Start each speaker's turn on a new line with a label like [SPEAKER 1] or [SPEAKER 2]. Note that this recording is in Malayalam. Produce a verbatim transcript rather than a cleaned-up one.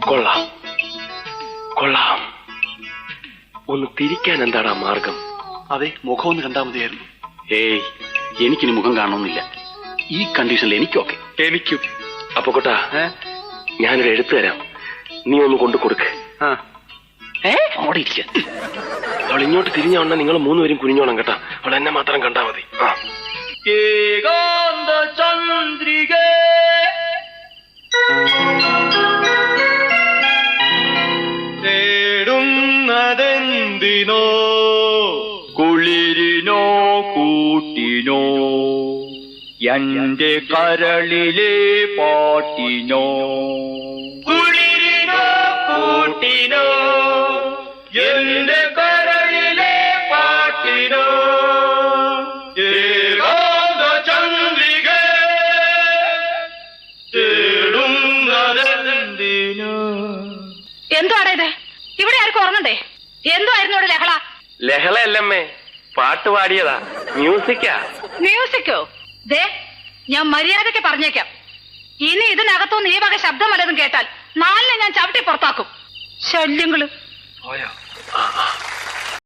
[SPEAKER 1] കൊള്ളാം കൊള്ളാം. ഒന്ന് തിരിക്കാൻ എന്താടാ മാർഗം?
[SPEAKER 2] അതെ, മുഖം ഒന്ന് കണ്ടാൽ മതിയായിരുന്നു.
[SPEAKER 3] ഏയ്, എനിക്കിനി മുഖം കാണണമെന്നില്ല. ഈ കണ്ടീഷനിൽ എനിക്കൊക്കെ.
[SPEAKER 1] എനിക്കും. അപ്പൊ കൊട്ടാ, ഞാനൊരു എഴുത്ത് തരാം, നീ ഒന്ന് കൊണ്ടു കൊടുക്ക്.
[SPEAKER 3] അവിടെ ഇരിക്ക.
[SPEAKER 1] അവൾ ഇങ്ങോട്ട് തിരിഞ്ഞോണ്ട നിങ്ങൾ മൂന്നുപേരും കുനിഞ്ഞോണം കേട്ടാ. അവൾ എന്നെ മാത്രം കണ്ടാ മതി.
[SPEAKER 2] ചന്ദ്രിക തേടുന്നതെന്തിനോ, കുളിരിനോ കൂട്ടിനോ, എന്റെ കരളിലെ പാട്ടിനോ. കുളിരിനോ കൂട്ടിനോ, എന്റെ കരളിലെ പാട്ടിനോ. ഏകാന്ത ചന്ദ്രിക തേടുന്നതെന്തിനോ.
[SPEAKER 4] എന്തുവാടാ ഇത്? ഇവിടെ ആർക്കും ഓർമ്മണ്ടേ? എന്തുവായിരുന്നു ഇവിടെ ലഹള?
[SPEAKER 1] ലഹളയല്ലമ്മേ, പാട്ട് പാടിയതാ. മ്യൂസിക്കാ.
[SPEAKER 4] മ്യൂസിക്കോ? ദേ, ഞാൻ മര്യാദയ്ക്ക് പറഞ്ഞേക്കാം, ഇനി ഇതിനകത്തുനിന്ന് ഈ വക ശബ്ദം വല്ലതും കേട്ടാൽ നാലിനെ ഞാൻ ചവിട്ടി പുറത്താക്കും. ശല്യങ്ങള്.
[SPEAKER 1] പോയോ?